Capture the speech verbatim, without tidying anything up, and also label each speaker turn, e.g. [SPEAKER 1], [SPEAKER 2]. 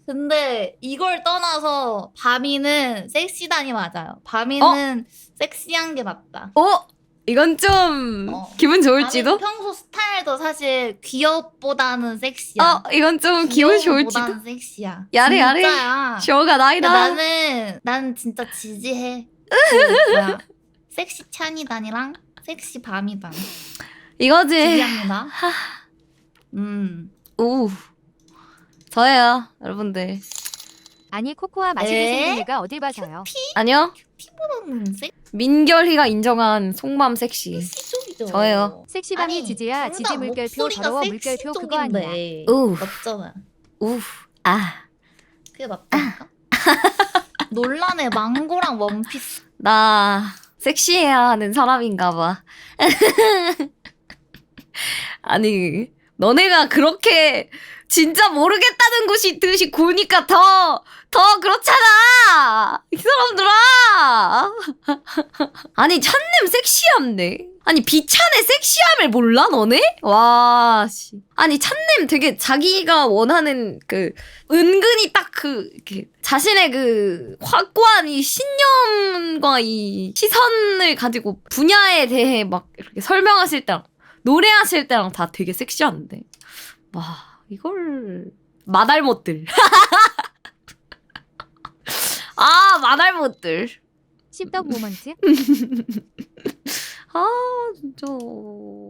[SPEAKER 1] 근데 이걸 떠나서 바미는 섹시단이 맞아요. 바미는 섹시한 게 맞다.
[SPEAKER 2] 어? 이건 좀
[SPEAKER 1] 어.
[SPEAKER 2] 기분
[SPEAKER 1] 바미는
[SPEAKER 2] 좋을지도?
[SPEAKER 1] 평소 스타일도 사실 귀엽보다는 섹시야.
[SPEAKER 2] 어, 이건 좀 기분 좋을지도?
[SPEAKER 1] 귀여움보다는 섹시야.
[SPEAKER 2] 야래 야래.
[SPEAKER 1] 진짜야.
[SPEAKER 2] 쇼가 나이다.
[SPEAKER 1] 나는 난 진짜 지지해. 그 뭐야? 섹시 찬이단이랑 섹시 바미단
[SPEAKER 2] 이거지.
[SPEAKER 1] 지지합니다. 음.
[SPEAKER 2] 오. 저예요, 여러분들.
[SPEAKER 3] 아니 코코아 마시게
[SPEAKER 1] 에?
[SPEAKER 3] 생긴 애가 어딜 봐서요.
[SPEAKER 2] 아니요.
[SPEAKER 1] 피부는
[SPEAKER 2] 민결이가 인정한 속맘 섹시.
[SPEAKER 1] 섹시적이죠.
[SPEAKER 2] 저예요.
[SPEAKER 3] 섹시밤이
[SPEAKER 1] 아니,
[SPEAKER 3] 지지야.
[SPEAKER 1] 둘
[SPEAKER 3] 지지
[SPEAKER 1] 다
[SPEAKER 3] 물결표
[SPEAKER 1] 목소리가
[SPEAKER 3] 더러워 물결표 그거 아니야.
[SPEAKER 1] 섹시적인데.
[SPEAKER 2] 우.
[SPEAKER 1] 맞잖아.
[SPEAKER 2] 우. 아.
[SPEAKER 1] 그게 맞다니까? 논란의 망고랑 원피스.
[SPEAKER 2] 나 섹시해야 하는 사람인가 봐. 아니, 너네가 그렇게 진짜 모르겠다는 것이 듯이 구니까 더, 더 그렇잖아! 이 사람들아! 아니, 찬님 섹시함네. 아니, 비찬의 섹시함을 몰라, 너네? 와, 씨. 아니, 찬님 되게 자기가 원하는 그, 은근히 딱 그, 이렇게 자신의 그, 확고한 이 신념과 이 시선을 가지고 분야에 대해 막 이렇게 설명하실 때랑, 노래하실 때랑 다 되게 섹시한데. 와, 이걸 마달못들. 아, 마달못들.
[SPEAKER 3] 씹덕 모먼트.
[SPEAKER 2] 아, 진짜.